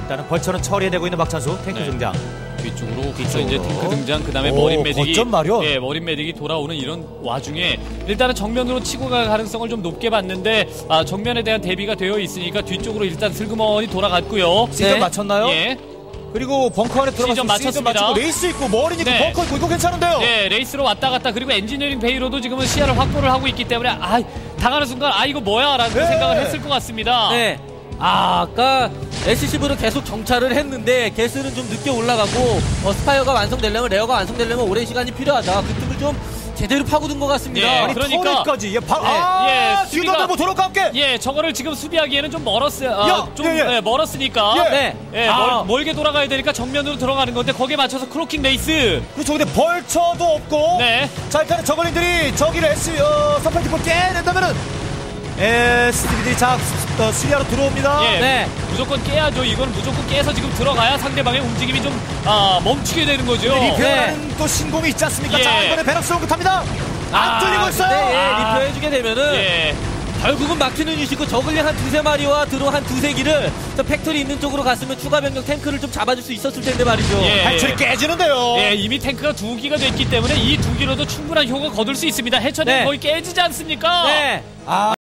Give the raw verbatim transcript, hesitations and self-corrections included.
일단은 벌처는 처리해내고 있는 박찬수. 탱크 네. 등장. 뒤쪽으로 그래서 이제 탱크 등장 그다음에 오, 머린 메딕이 거점 마련. 예, 머린 메딕이 돌아오는 이런 와중에 일단은 정면으로 치고 갈 가능성을 좀 높게 봤는데 아, 정면에 대한 대비가 되어 있으니까 뒤쪽으로 일단 슬그머니 돌아갔고요. 시즌 네. 맞췄나요? 예. 그리고 벙커 안에 들어가서 시즌 맞췄습니다. 맞추고 레이스 있고 머린 있고 네. 벙커 있고 이거 괜찮은데요? 네, 레이스로 왔다 갔다 그리고 엔지니어링 베이로도 지금은 시야를 확보를 하고 있기 때문에 아, 당하는 순간 아 이거 뭐야라는 네. 생각을 했을 것 같습니다. 네. 아, 아까 에스씨브로 계속 정찰을 했는데 게스는 좀 늦게 올라가고 어, 스파이어가 완성되려면 레어가 완성되려면 오랜 시간이 필요하다. 그 틈을 좀 제대로 파고든 것 같습니다. 예, 아니 그러니까- 터렛까지 예, 바, 네. 아, 예, 뒤도 수비가- 뭐 도로가 함께. 예, 저거를 지금 수비하기에는 좀 멀었어요. 아, 야, 좀 예, 예. 예, 멀었으니까. 예. 네. 예, 아. 멀, 멀게 돌아가야 되니까 정면으로 들어가는 건데 거기에 맞춰서 크로킹 레이스. 그렇죠. 근데 벌처도 없고. 네. 자 일단은 저걸링들이 저기를 S 어, 서팔티포 깨낸다면은 에스티비들이 자 어, 수리하러 들어옵니다. 예, 네. 무조건 깨야죠. 이건 무조건 깨서 지금 들어가야 상대방의 움직임이 좀 아, 멈추게 되는 거죠. 리페어라는 또 신공이 있지 않습니까? 예. 자 이번에 베럭스 탑니다. 안 아, 뚫리고 있어요. 근데 예, 아. 리페어 해주게 되면은 예. 결국은 막히는 이시고 저글링 한 두세 마리와 드론 한 두세 기를 저 팩토리 있는 쪽으로 갔으면 추가 병력 탱크를 좀 잡아줄 수 있었을 텐데 말이죠. 예. 탈출이 깨지는데요. 예, 이미 탱크가 두 기가 됐기 때문에 이 두 기로도 충분한 효과 거둘 수 있습니다. 해처는 네. 거의 깨지지 않습니까? 네. 아.